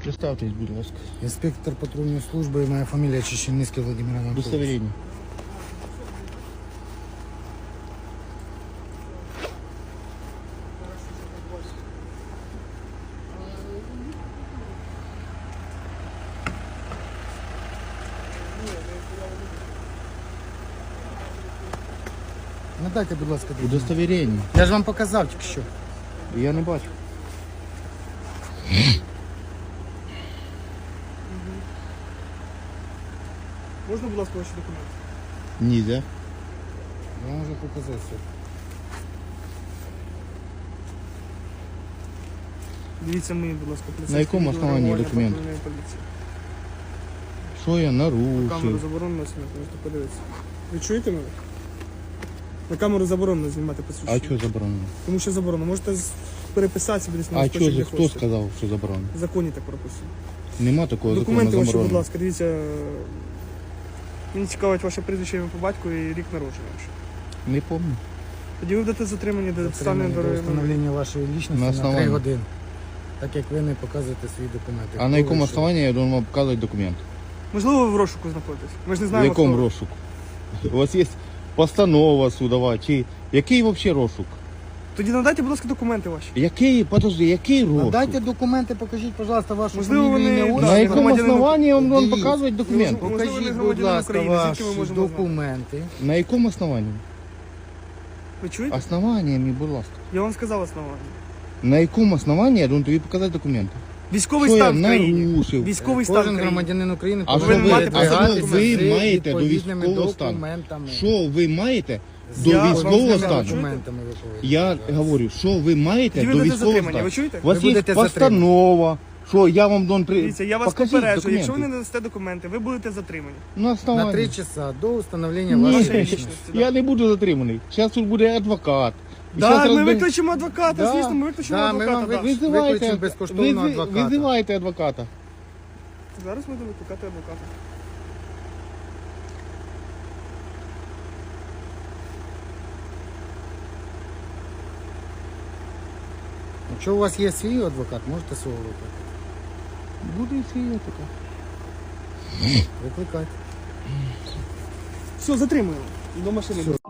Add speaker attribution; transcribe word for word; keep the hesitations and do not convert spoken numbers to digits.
Speaker 1: Представтесь, будь ласка.
Speaker 2: Інспектор патрульної служби, моя фамілія Чищеницький Владимир Анатолійович.
Speaker 1: Удостоверение.
Speaker 2: Надайте, будь ласка, документ.
Speaker 1: Удостоверение.
Speaker 2: Я ж вам показав тільки що.
Speaker 1: Я не бачу.
Speaker 3: Можна, будь ласка, ваші документи?
Speaker 1: Нельзя.
Speaker 2: Я можу показати все.
Speaker 3: Дивіться мені, будь ласка, поліцейське
Speaker 1: На якому
Speaker 3: відео
Speaker 1: основанні
Speaker 3: реагування
Speaker 1: документ?
Speaker 3: патрульної поліції.
Speaker 1: Що я
Speaker 3: Камеру
Speaker 1: нарушив?
Speaker 3: заборонено знімати, можете подивитися. Ви чуєте мене? На камеру заборонено знімати посвідчення.
Speaker 1: А що заборонено?
Speaker 3: Тому що заборонено. Можете з- переписати собі десь на
Speaker 1: А
Speaker 3: листочок,
Speaker 1: що,
Speaker 3: де
Speaker 1: хто
Speaker 3: хочете.
Speaker 1: сказав, що заборонено?
Speaker 3: В законі так прописано.
Speaker 1: Нема такого
Speaker 3: Документи
Speaker 1: закону
Speaker 3: ваші, будь
Speaker 1: заборонено.
Speaker 3: ласка, дивіться. Мені цікавить ваше прізвище, ім'я по батьку і рік народження. ваш.
Speaker 1: Не пам'ятаю.
Speaker 3: Тоді ви будете затримані до
Speaker 2: Затримання
Speaker 3: доставлення
Speaker 2: до
Speaker 3: до
Speaker 2: встановлення вашої
Speaker 1: На
Speaker 2: лічності на
Speaker 1: основанні.
Speaker 2: три години. Так як ви не показуєте свої документи.
Speaker 1: А на
Speaker 2: Хто
Speaker 1: якому
Speaker 2: ви, що?
Speaker 1: основанні я должен вам показувати документ?
Speaker 3: Можливо, ви в розшуку знаходитесь. Ми ж не
Speaker 1: В
Speaker 3: знаємо,
Speaker 1: якому
Speaker 3: хто ви.
Speaker 1: розшуку? У вас є постанова судова, чи який взагалі розшук?
Speaker 3: Тоді надайте, будь ласка, документи ваші.
Speaker 1: Який, подожди, який розшук?
Speaker 2: Надайте документи, покажіть, пожалуйста, вашу
Speaker 3: Можливо,
Speaker 2: фамілію,
Speaker 3: вони-
Speaker 2: ім'я,
Speaker 3: Да,
Speaker 1: На
Speaker 2: отчество.
Speaker 1: якому
Speaker 3: громадянин
Speaker 1: основанні я вам должен
Speaker 2: Дивіться.
Speaker 1: показувати документ?
Speaker 3: Можливо, ви
Speaker 2: Покажіть, будь
Speaker 3: громадянин
Speaker 2: ласка,
Speaker 3: України, звідки ми
Speaker 2: ваші
Speaker 3: можемо знати?
Speaker 2: документи.
Speaker 1: На якому основанні?
Speaker 3: Ви чуєте?
Speaker 1: Основаннями, будь ласка.
Speaker 3: Я вам сказав основання.
Speaker 1: На якому основанні я должен тобі показати документи?
Speaker 3: Військовий
Speaker 1: Що я
Speaker 3: стан в країні.
Speaker 1: нарушив?
Speaker 3: Військовий стан в
Speaker 2: Кожен
Speaker 3: країні.
Speaker 2: громадянин України
Speaker 1: А
Speaker 2: повинен
Speaker 3: що ви- а
Speaker 2: передвигатися
Speaker 3: що
Speaker 1: ви
Speaker 2: з
Speaker 1: маєте до
Speaker 2: відповідними
Speaker 1: військового стану?
Speaker 2: документами.
Speaker 1: Що ви маєте
Speaker 2: З
Speaker 1: до
Speaker 3: Я вам
Speaker 1: військового
Speaker 3: сказав,
Speaker 1: стану?
Speaker 3: що-
Speaker 2: документами ви повинні.
Speaker 1: Я говорю, що ви маєте
Speaker 3: Тоді ви
Speaker 1: до
Speaker 3: будете
Speaker 1: військового
Speaker 3: затримані,
Speaker 1: стану?
Speaker 3: ви чуєте?
Speaker 1: У вас
Speaker 2: Ви
Speaker 1: є
Speaker 2: будете
Speaker 1: постанова, що я вам дон при...
Speaker 3: Дивіться, я вас
Speaker 1: Покажіть
Speaker 3: попереджую, якщо ви
Speaker 1: документи.
Speaker 3: не надасте документи, ви будете затримані.
Speaker 1: На основанні.
Speaker 2: На три часа до встановлення
Speaker 1: Ні,
Speaker 2: вашої
Speaker 3: Вашої
Speaker 2: лічності.
Speaker 3: лічності.
Speaker 1: я не буду затриманий. Зараз тут буде адвокат. І щас
Speaker 3: Так, ми
Speaker 1: розбер-
Speaker 3: викличемо адвоката,
Speaker 1: Да.
Speaker 3: звісно, ми викличемо
Speaker 2: Да, ми
Speaker 3: адвоката.
Speaker 2: вам
Speaker 3: да.
Speaker 2: ви-
Speaker 1: Визивайте,
Speaker 2: Викличемо безкоштовного
Speaker 1: визи-
Speaker 2: адвоката.
Speaker 1: Визивайте адвоката.
Speaker 3: Зараз ми будемо викликати адвоката.
Speaker 2: Якщо у вас є свій адвокат, можете свого викликати.
Speaker 1: Буде і свій адвокат.
Speaker 2: Викликайте.
Speaker 3: Все, затримуємо. До машини.